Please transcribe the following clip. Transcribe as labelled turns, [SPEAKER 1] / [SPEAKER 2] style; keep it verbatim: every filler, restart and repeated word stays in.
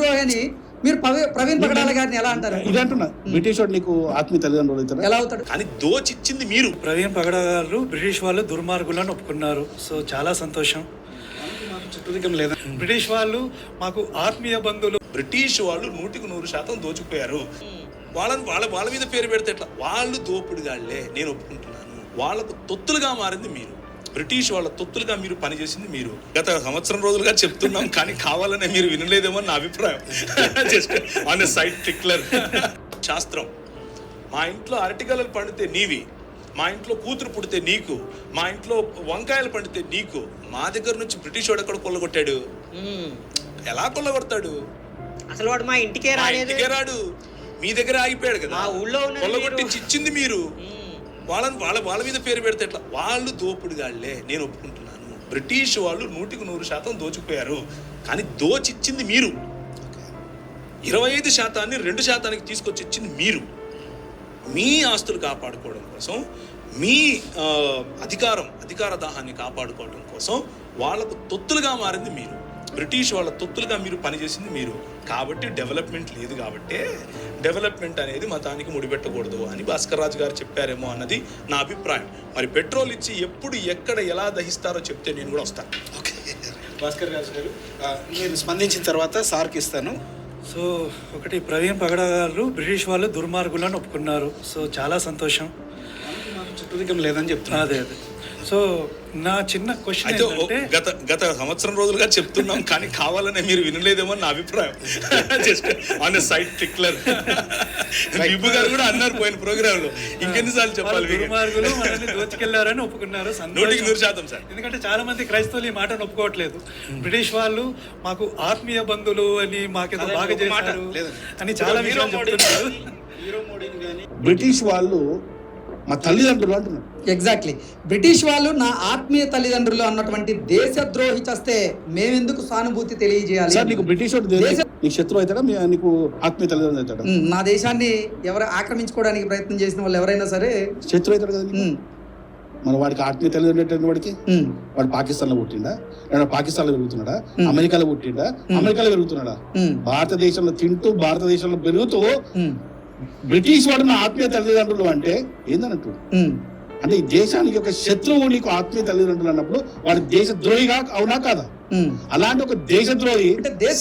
[SPEAKER 1] దేశద్రోహి అని మీరు ప్రవీ- ప్రవీణ్ పగడాల గారిని ఎలా అంటారు?
[SPEAKER 2] ఇది అంటున్నా, బ్రిటిష్ వాడు నీకు ఆత్మీయ తల్లిదండ్రులు అవుతారా?
[SPEAKER 1] ఎలా అవుతాడు?
[SPEAKER 3] కానీ దోచిచ్చింది మీరు.
[SPEAKER 4] ప్రవీణ్ పగడ గారు బ్రిటిష్ వాళ్ళు దుర్మార్గులను ఒప్పుకున్నారు. సో చాలా సంతోషం.
[SPEAKER 2] చుట్టూరికం లేదా?
[SPEAKER 4] బ్రిటిష్ వాళ్ళు మాకు ఆత్మీయ బంధువులు.
[SPEAKER 3] బ్రిటిష్ వాళ్ళు నూటికి నూరు శాతం దోచుకుపోయారు. వాళ్ళని వాళ్ళ వాళ్ళ మీద పేరు పెడితే ఎట్లా? వాళ్ళు దోపుడుగాళ్లే, నేను ఒప్పుకుంటున్నాను. వాళ్ళకు తొత్తులుగా మారింది మీరు. బ్రిటిష్ వాళ్ళ తొత్తులుగా మీరు పనిచేసింది మీరు. గత సంవత్సరం రోజులుగా చెప్తున్నాం, కానీ కావాలనే మీరు వినలేదేమో నా అభిప్రాయం. Just on a side tickler. శాస్త్రం, మా ఇంట్లో అరటిగలలు పండితే నీవి, మా ఇంట్లో కూతురు పుడితే నీకు, మా ఇంట్లో వంకాయలు పండితే నీకు. మా దగ్గర నుంచి బ్రిటిష్ వాడు ఎక్కడ కొల్లగొట్టాడు? ఎలా కొల్లగొడతాడు?
[SPEAKER 5] అసలు వాడు మా ఇంటికే
[SPEAKER 3] మా
[SPEAKER 5] రాలేదు.
[SPEAKER 3] ఇంటికే రాడు, మీ దగ్గర ఆగిపోయాడు కదా.
[SPEAKER 5] మా ఊళ్ళో ఉన్నది
[SPEAKER 3] కొల్లగొట్టించి ఇచ్చింది మీరు. వాళ్ళని వాళ్ళ వాళ్ళ మీద పేరు పెడితే ఎట్లా? వాళ్ళు దోపుడుగాళ్లే, నేను ఒప్పుకుంటున్నాను. బ్రిటిష్ వాళ్ళు నూటికి నూరు శాతం దోచుకుపోయారు, కానీ దోచిచ్చింది మీరు. ఇరవై ఐదు శాతాన్ని రెండు శాతానికి తీసుకొచ్చి ఇచ్చింది మీరు. మీ ఆస్తులు కాపాడుకోవడం కోసం, మీ ఆ, అధికారం అధికార దాహాన్ని కాపాడుకోవడం కోసం వాళ్ళకు తొత్తులుగా మారింది మీరు. బ్రిటిష్ వాళ్ళ తొత్తులుగా మీరు పనిచేసింది మీరు. కాబట్టి డెవలప్మెంట్ లేదు. కాబట్టి డెవలప్మెంట్ అనేది మతానికి ముడిపెట్టకూడదు అని భాస్కర్ రాజు గారు చెప్పారేమో అన్నది నా అభిప్రాయం. మరి పెట్రోల్ ఇచ్చి ఎప్పుడు ఎక్కడ ఎలా దహిస్తారో చెప్తే నేను కూడా వస్తాను.
[SPEAKER 2] ఓకే, భాస్కర్ రాజు గారు, ఆ, మీరు స్పందించిన తర్వాత సార్కి ఇస్తాను.
[SPEAKER 4] సో ఒకటి, ప్రవీణ్ పగడ గారు బ్రిటిష్ వాళ్ళు దుర్మార్గులను ఒప్పుకున్నారు. సో చాలా సంతోషం.
[SPEAKER 2] చుట్టూరికం లేదని చెప్తున్నా.
[SPEAKER 4] అదే అదే సో నా చిన్న క్వశ్చన్
[SPEAKER 3] అయితే
[SPEAKER 4] ఏంటంటే,
[SPEAKER 3] గత గత సంవత్సరం రోజులుగా చెప్తున్నాం, కానీ కావాలనే మీరు వినలేదేమో నా అభిప్రాయం. Just on a side tickler. Vibhu garu కూడా అన్నారు పోయిన ప్రోగ్రామ్ లో. ఇంకెన్నిసార్లు చెప్పాలి?
[SPEAKER 4] దుర్మార్గులు మనల్ని దోచుకెళ్లారని ఒప్పుకున్నారు.
[SPEAKER 3] నూటికి నూరు శాతం సార్.
[SPEAKER 4] ఎందుకంటే చాలా మంది క్రైస్తవులు ఈ మాటను ఒప్పుకోవట్లేదు. బ్రిటిష్ వాళ్ళు మాకు ఆత్మీయ బంధువులు అని, మాకేదో
[SPEAKER 2] అదే
[SPEAKER 4] బాగా
[SPEAKER 2] ఒక మాట
[SPEAKER 4] చేశారు
[SPEAKER 2] లేదు.
[SPEAKER 4] అని చాలా విషయాలు చెప్తున్నారు.
[SPEAKER 2] బ్రిటిష్ వాళ్ళు మా తల్లిదండ్రులు అంటున్నారు.
[SPEAKER 1] ఎగ్జాక్ట్లీ. బ్రిటిష్ వాళ్ళు నా ఆత్మీయ తల్లిదండ్రులు అన్నటువంటి దేశద్రోహి చేస్తే మేమెందుకు సానుభూతి తెలియజేయాలి?
[SPEAKER 2] సార్, నీకు బ్రిటిష్ వాడు
[SPEAKER 1] దేశ-
[SPEAKER 2] నీకు శత్రువు అవుతాడా? మీ- నీకు ఆత్మీయ తల్లిదండ్రులు అవుతాడా?
[SPEAKER 1] ఉమ్, నా దేశాన్ని ఎవరు ఆక్రమించుకోవడానికి ప్రయత్నం చేసిన వాళ్ళు ఎవరైనా సరే
[SPEAKER 2] శత్రువు అవుతాడు కదా నీకు?
[SPEAKER 1] ఉమ్,
[SPEAKER 2] మన వాడికి ఆత్మీయ తల్లిదండ్రులు వాడికి
[SPEAKER 1] ఉమ్,
[SPEAKER 2] వాడు పాకిస్తాన్ లో పుట్టిండా? లేదా పాకిస్తాన్ లో పెరుగుతున్నాడా?
[SPEAKER 1] Hmm.
[SPEAKER 2] అమెరికాలో పుట్టిండా? అమెరికాలో పెరుగుతున్నాడా?
[SPEAKER 1] ఉమ్,
[SPEAKER 2] భారతదేశంలో తింటూ భారతదేశంలో పెరుగుతూ
[SPEAKER 1] ఉమ్,
[SPEAKER 2] బ్రిటిష్ వాడు నా ఆత్మీయ తల్లిదండ్రులు అంటే ఏందన్నట్టు?
[SPEAKER 1] ఉమ్.
[SPEAKER 2] అంటే ఈ దేశానికి ఒక శత్రువు నీకు ఆత్మీయ తల్లిదండ్రులు అన్నప్పుడు వాడు దేశ ద్రోహిగా అవునా కాదా?
[SPEAKER 1] ఉమ్.
[SPEAKER 2] అలాంటి ఒక దేశద్రోహి
[SPEAKER 1] అంటే దేశ